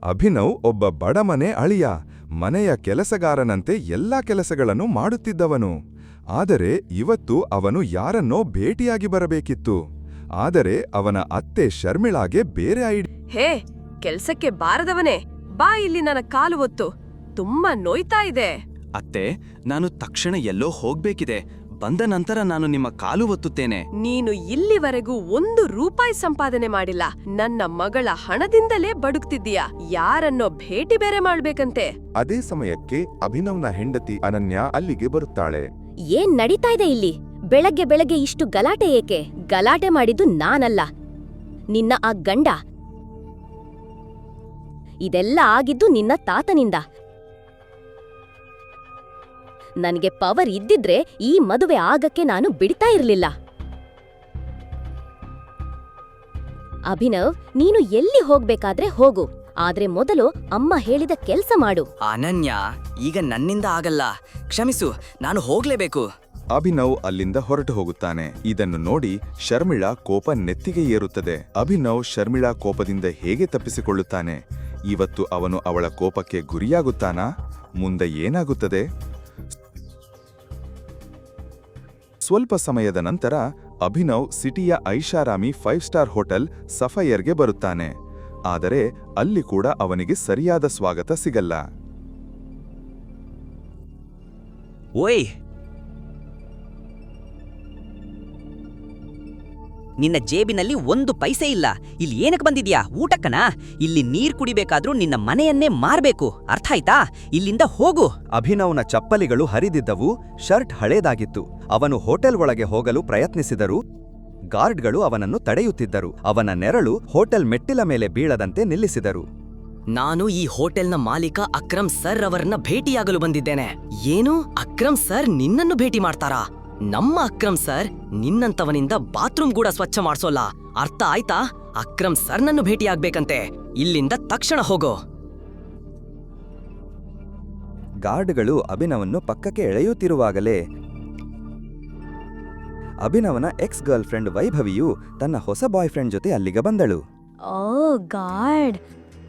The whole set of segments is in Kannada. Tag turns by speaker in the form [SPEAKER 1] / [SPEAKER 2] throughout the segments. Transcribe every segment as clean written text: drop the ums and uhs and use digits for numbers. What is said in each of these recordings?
[SPEAKER 1] ಅಭಿನವ್ ಒಬ್ಬ ಬಡಮನೆ ಅಳಿಯ, ಮನೆಯ ಕೆಲಸಗಾರನಂತೆ ಎಲ್ಲಾ ಕೆಲಸಗಳನ್ನು ಮಾಡುತ್ತಿದ್ದವನು. ಆದರೆ ಇವತ್ತು ಅವನು ಯಾರನ್ನೋ ಭೇಟಿಯಾಗಿ ಬರಬೇಕಿತ್ತು. ಆದರೆ ಅವನ ಅತ್ತೆ ಶರ್ಮಿಳಾಗೆ ಬೇರೆ
[SPEAKER 2] ಹೇ, ಕೆಲ್ಸಕ್ಕೆ ಬಾರದವನೇ, ಬಾ ಇಲ್ಲಿ. ನನ್ನ ಕಾಲು ಒತ್ತು, ತುಂಬಾ ನೋಯ್ತಾ ಇದೆ.
[SPEAKER 3] ಅತ್ತೆ, ನಾನು ತಕ್ಷಣ ಎಲ್ಲೋ ಹೋಗ್ಬೇಕಿದೆ. ಬಂದ ನಂತರ ನಾನು ನಿಮ್ಮ ಕಾಲು ಒತ್ತುತ್ತೇನೆ.
[SPEAKER 2] ನೀನು ಇಲ್ಲಿವರೆಗೂ ₹1 ಸಂಪಾದನೆ ಮಾಡಿಲ್ಲ. ನನ್ನ ಮಗಳ ಹಣದಿಂದಲೇ ಬಡುಕ್ತಿದ್ದೀಯಾ. ಯಾರನ್ನೋ ಭೇಟಿ ಬೇರೆ ಮಾಡ್ಬೇಕಂತೆ.
[SPEAKER 1] ಅದೇ ಸಮಯಕ್ಕೆ ಅಭಿನವ್ನ ಹೆಂಡತಿ ಅನನ್ಯ ಅಲ್ಲಿಗೆ ಬರುತ್ತಾಳೆ.
[SPEAKER 4] ಏನ್ ನಡೀತಾ ಇದೆ ಇಲ್ಲಿ? ಬೆಳಗ್ಗೆ ಬೆಳಗ್ಗೆ ಇಷ್ಟು ಗಲಾಟೆ ಏಕೆ? ಗಲಾಟೆ ಮಾಡಿದ್ದು ನಾನಲ್ಲ, ನಿನ್ನ ಆ ಗಂಡ. ಇದೆಲ್ಲ ಆಗಿದ್ದು ನಿನ್ನ ತಾತನಿಂದ. ನನಗೆ ಪವರ್ ಇದ್ದಿದ್ರೆ ಈ ಮದುವೆ ಆಗಕ್ಕೆ ನಾನು ಬಿಡ್ತಾ ಇರ್ಲಿಲ್ಲ. ಅಭಿನವ್, ನೀನು ಎಲ್ಲಿ ಹೋಗ್ಬೇಕಾದ್ರೆ ಹೋಗು, ಆದ್ರೆ ಮೊದಲು ಅಮ್ಮ ಹೇಳಿದ ಕೆಲ್ಸ ಮಾಡು.
[SPEAKER 5] ಅನನ್ಯ, ಈಗ ನನ್ನಿಂದ ಆಗಲ್ಲ. ಕ್ಷಮಿಸು, ನಾನು ಹೋಗ್ಲೇಬೇಕು.
[SPEAKER 1] ಅಭಿನವ್ ಅಲ್ಲಿಂದ ಹೊರಟು ಹೋಗುತ್ತಾನೆ. ಇದನ್ನು ನೋಡಿ ಶರ್ಮಿಳಾ ಕೋಪ ನೆತ್ತಿಗೆ ಏರುತ್ತದೆ. ಅಭಿನವ್ ಶರ್ಮಿಳಾ ಕೋಪದಿಂದ ಹೇಗೆ ತಪ್ಪಿಸಿಕೊಳ್ಳುತ್ತಾನೆ? ಇವತ್ತು ಅವನು ಅವಳ ಕೋಪಕ್ಕೆ ಗುರಿಯಾಗುತ್ತಾನಾ? ಮುಂದೆ ಏನಾಗುತ್ತದೆ? ಸ್ವಲ್ಪ ಸಮಯದ ನಂತರ ಅಭಿನವ್ ಸಿಟಿಯ ಐಷಾರಾಮಿ 5 ಸ್ಟಾರ್ ಹೋಟೆಲ್ ಸಫೈರ್ಗೆ ಬರುತ್ತಾನೆ. ಆದರೆ ಅಲ್ಲಿ ಕೂಡ ಅವನಿಗೆ ಸರಿಯಾದ ಸ್ವಾಗತ ಸಿಗಲ್ಲ.
[SPEAKER 5] ಓಯ್, ನಿನ್ನ ಜೇಬಿನಲ್ಲಿ 1 ಪೈಸೆ ಇಲ್ಲ. ಇಲ್ಲಿ ಏನಕ್ಕೆ ಬಂದಿದ್ಯಾ? ಊಟಕ್ಕನಾ? ಇಲ್ಲಿ ನೀರ್ ಕುಡಿಬೇಕಾದ್ರೂ ನಿನ್ನ ಮನೆಯನ್ನೇ ಮಾರ್ಬೇಕು. ಅರ್ಥ ಆಯ್ತಾ? ಇಲ್ಲಿಂದ ಹೋಗು.
[SPEAKER 3] ಅಭಿನವ್ನ ಚಪ್ಪಲಿಗಳು ಹರಿದಿದ್ದವು, ಶರ್ಟ್ ಹಳೇದಾಗಿತ್ತು. ಅವನು ಹೋಟೆಲ್ ಒಳಗೆ ಹೋಗಲು ಪ್ರಯತ್ನಿಸಿದರು. ಗಾರ್ಡ್ಗಳು ಅವನನ್ನು ತಡೆಯುತ್ತಿದ್ದರು. ಅವನ ನೆರಳು ಹೋಟೆಲ್ ಮೆಟ್ಟಿಲ ಮೇಲೆ ಬೀಳದಂತೆ ನಿಲ್ಲಿಸಿದರು.
[SPEAKER 5] ನಾನು ಈ ಹೋಟೆಲ್ನ ಮಾಲೀಕ ಅಕ್ರಮ್ ಸರ್ ಅವರನ್ನ ಭೇಟಿಯಾಗಲು ಬಂದಿದ್ದೇನೆ. ಏನು? ಅಕ್ರಮ್ ಸರ್ ನಿನ್ನನ್ನು ಭೇಟಿ ಮಾಡ್ತಾರಾ? ನಮ್ಮ ಅಕ್ರಮ್ ಸರ್ ನಿನ್ನಂತವನಿಂದ ಬಾತ್ರೂಮ್ ಕೂಡ ಸ್ವಚ್ಛ ಮಾಡ್ಸೋಲ್ಲ. ಅರ್ಥ ಆಯ್ತಾ? ಅಕ್ರಮ್ ಸರ್ ನನ್ನು ಭೇಟಿಯಾಗ್ಬೇಕಂತೆ. ಇಲ್ಲಿಂದ ತಕ್ಷಣ ಹೋಗೋ.
[SPEAKER 3] ಗಾರ್ಡ್ಗಳು ಅಭಿನವನ್ನು ಪಕ್ಕಕ್ಕೆ ಎಳೆಯುತ್ತಿರುವಾಗಲೇ ಅಭಿನವನ ಎಕ್ಸ್ ಗರ್ಲ್ ಫ್ರೆಂಡ್ ವೈಭವಿಯು ತನ್ನ ಹೊಸ ಬಾಯ್ ಫ್ರೆಂಡ್ ಜೊತೆ ಅಲ್ಲಿಗೆ ಬಂದಳು.
[SPEAKER 4] ಓ ಗಾಡ್,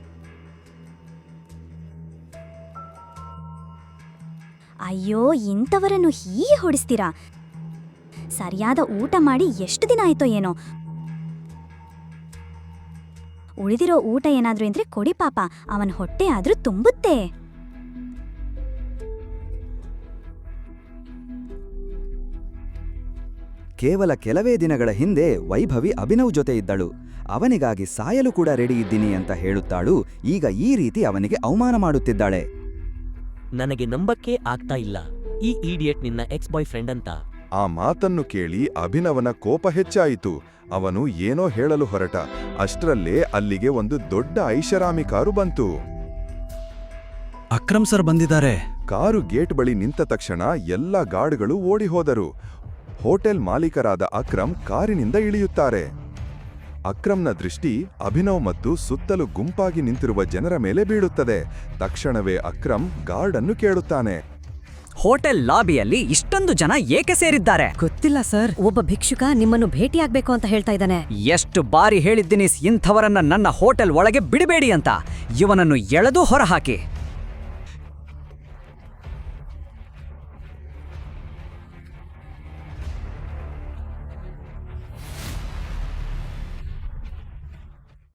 [SPEAKER 4] ಅಯ್ಯೋ, ಇಂಥವರನ್ನು ಹೀಗೆ ಹೊಡಿಸ್ತೀರಾ? ಸರಿಯಾದ ಊಟ ಮಾಡಿ ಎಷ್ಟು ದಿನ ಆಯ್ತೋ ಏನೋ. ಉಳಿದಿರೋ ಊಟ ಏನಾದ್ರೂ ಇದ್ರೆ ಕೊಡಿ ಪಾಪ, ಅವನ ಹೊಟ್ಟೆ ಆದ್ರೂ ತುಂಬುತ್ತೆ.
[SPEAKER 3] ಕೇವಲ ಕೆಲವೇ ದಿನಗಳ ಹಿಂದೆ ವೈಭವಿ ಅಭಿನವ್ ಜೊತೆ ಇದ್ದಳು. ಅವನಿಗಾಗಿ ಸಾಯಲು ಕೂಡ ರೆಡಿ ಇದ್ದೀನಿ ಅಂತ ಹೇಳುತ್ತಾಳು. ಈಗ ಈ ರೀತಿ ಅವನಿಗೆ ಅವಮಾನ ಮಾಡುತ್ತಿದ್ದಾಳೆ.
[SPEAKER 6] ನನಗೆ ನಂಬಕ್ಕೆ ಆಗ್ತಾ ಇಲ್ಲ, ಈ ಈಡಿಯಟ್ ನಿನ್ನ ಎಕ್ಸ್ ಬಾಯ್ ಫ್ರೆಂಡ್ ಅಂತ.
[SPEAKER 1] ಆ ಮಾತನ್ನು ಕೇಳಿ ಅಭಿನವನ ಕೋಪ ಹೆಚ್ಚಾಯಿತು. ಅವನು ಏನೋ ಹೇಳಲು ಹೊರಟ. ಅಷ್ಟರಲ್ಲೇ ಅಲ್ಲಿಗೆ ಒಂದು ದೊಡ್ಡ ಐಷಾರಾಮಿ ಕಾರು ಬಂತು.
[SPEAKER 3] ಅಕ್ರಮ್ ಸರ್ ಬಂದಿದ್ದಾರೆ.
[SPEAKER 1] ಕಾರು ಗೇಟ್ ಬಳಿ ನಿಂತ ತಕ್ಷಣ ಎಲ್ಲ ಗಾರ್ಡ್ಗಳು ಓಡಿ ಹೋದರು. ಹೋಟೆಲ್ ಮಾಲೀಕರಾದ ಅಕ್ರಮ್ ಕಾರಿನಿಂದ ಇಳಿಯುತ್ತಾರೆ. ಅಕ್ರಮ್ನ ದೃಷ್ಟಿ ಅಭಿನವ್ ಮತ್ತು ಸುತ್ತಲೂ ಗುಂಪಾಗಿ ನಿಂತಿರುವ ಜನರ ಮೇಲೆ ಬೀಳುತ್ತದೆ. ತಕ್ಷಣವೇ ಅಕ್ರಮ್ ಗಾರ್ಡ್ ಅನ್ನು ಕೇಳುತ್ತಾನೆ,
[SPEAKER 5] ಹೋಟೆಲ್ ಲಾಬಿಯಲ್ಲಿ ಇಷ್ಟೊಂದು ಜನ ಏಕೆ ಸೇರಿದ್ದಾರೆ?
[SPEAKER 7] ಗೊತ್ತಿಲ್ಲ ಸರ್, ಒಬ್ಬ ಭಿಕ್ಷುಕ ನಿಮ್ಮನ್ನು ಭೇಟಿಯಾಗ್ಬೇಕು ಅಂತ ಹೇಳ್ತಾ ಇದ್ದಾನೆ.
[SPEAKER 5] ಎಷ್ಟು ಬಾರಿ ಹೇಳಿದ್ದೀನಿ ಇಂಥವರನ್ನ ನನ್ನ ಹೋಟೆಲ್ ಒಳಗೆ ಬಿಡಬೇಡಿ ಅಂತ. ಇವನನ್ನು ಎಳೆದು ಹೊರಹಾಕಿ.